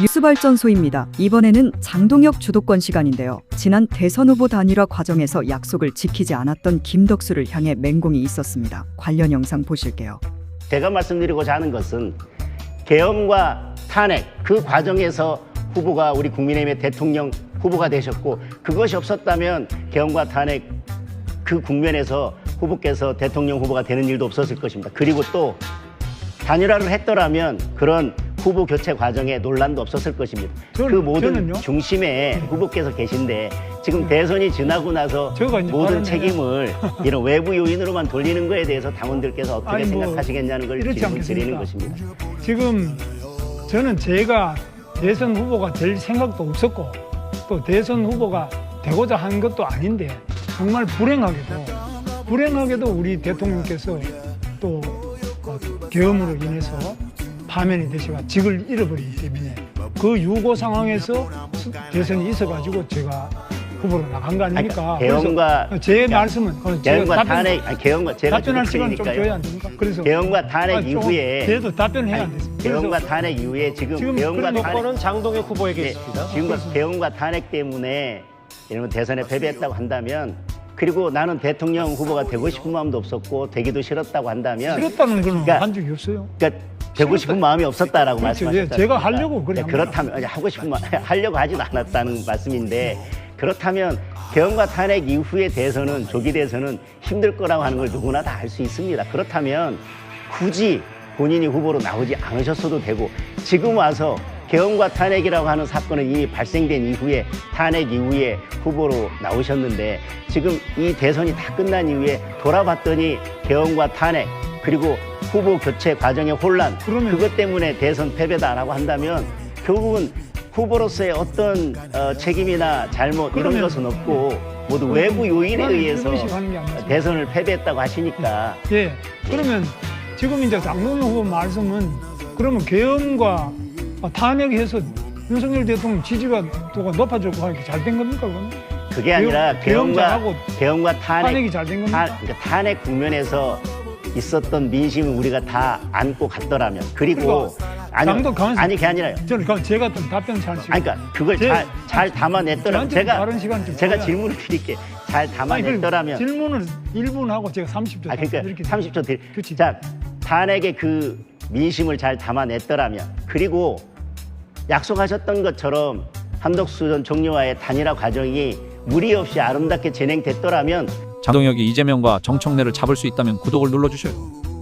뉴스발전소입니다. 이번에는 장동혁 주도권 시간인데요. 지난 대선 후보 단일화 과정에서 약속을 지키지 않았던 김덕수를 향해 맹공이 있었습니다. 관련 영상 보실게요. 제가 말씀드리고자 하는 것은 계엄과 탄핵 그 과정에서 후보가 우리 국민의힘의 대통령 후보가 되셨고, 그것이 없었다면 계엄과 탄핵 그 국면에서 후보께서 대통령 후보가 되는 일도 없었을 것입니다. 그리고 또 단일화를 했더라면 그런 후보 교체 과정에 논란도 없었을 것입니다. 그 모든 중심에 후보께서 계신데 지금 대선이 지나고 나서 모든 책임을 이런 외부 요인으로만 돌리는 거에 대해서 당원들께서 어떻게 생각하시겠냐는 걸 질문 드리는 것입니다. 지금 저는 제가 대선 후보가 될 생각도 없었고 또 대선 후보가 되고자 한 것도 아닌데, 정말 불행하게도 우리 대통령께서 또 계엄으로 인해서 파면이 되시고 직을 잃어버리기 때문에 그 유고 상황에서 대선이 있어가지고 제가 후보로 나간 거 아닙니까? 계엄과 제 말씀은 계엄과 탄핵, 계엄과 제가 답변할 시간 좀 줘야 안 됩니까? 그래서 계엄과 탄핵 이후에 그래도 답변해야 안 됐습니다. 계엄과 탄핵 이후에 지금 계엄과 요건은 장동혁 후보에게 있습니다. 지금 계엄과 탄핵 때문에 이러면 대선에 패배했다고 한다면, 그리고 나는 대통령 후보가 되고 싶은 마음도 없었고 되기도 싫었다고 한다면, 싫었다는 건 한 적이 없어요. 그러니까 되고 싶은 마음이 없었다라고 말씀하셨잖아요. 제가 하려고 그래. 그렇다면 하고 싶은 하려고 하지도 않았다는 말씀인데, 그렇다면 계엄과 탄핵 이후의 대선은, 조기 대선은 힘들 거라고 하는 걸 누구나 다 알 수 있습니다. 그렇다면 굳이 본인이 후보로 나오지 않으셨어도 되고, 지금 와서 계엄과 탄핵이라고 하는 사건은 이미 발생된 이후에, 탄핵 이후에 후보로 나오셨는데, 지금 이 대선이 다 끝난 이후에 돌아봤더니 계엄과 탄핵 그리고 후보 교체 과정의 혼란, 그것 때문에 대선 패배다라고 한다면 결국은 후보로서의 어떤 책임이나 잘못 이런 것은 없고 모두 외부 요인에 의해서 대선을 패배했다고 하시니까. 예. 그러면 지금 이제 장동혁 후보 말씀은 그러면 계엄과 탄핵해서 윤석열 대통령 지지도가 높아졌고 하니까 잘 된 겁니까, 그건? 그게 아니라 계엄과 탄핵이 잘 된 겁니까? 탄핵 국면에서 있었던 민심을 우리가 다 안고 갔더라면, 그리고 아니 그게 아니라요. 저는 제가 좀 답변 잘 시간. 그러니까 그걸 잘 담아냈더라면, 제가 질문을 드릴게. 잘 담아냈더라면. 질문을 1분 하고 제가 30초. 그러니까 30초 드릴. 자, 탄핵의 그 민심을 잘 담아냈더라면, 그리고 약속하셨던 것처럼 한덕수 전 총리와의 단일화 과정이 무리 없이 아름답게 진행됐더라면, 장동혁이 이재명과 정청래를 잡을 수 있다면 구독을 눌러주셔요.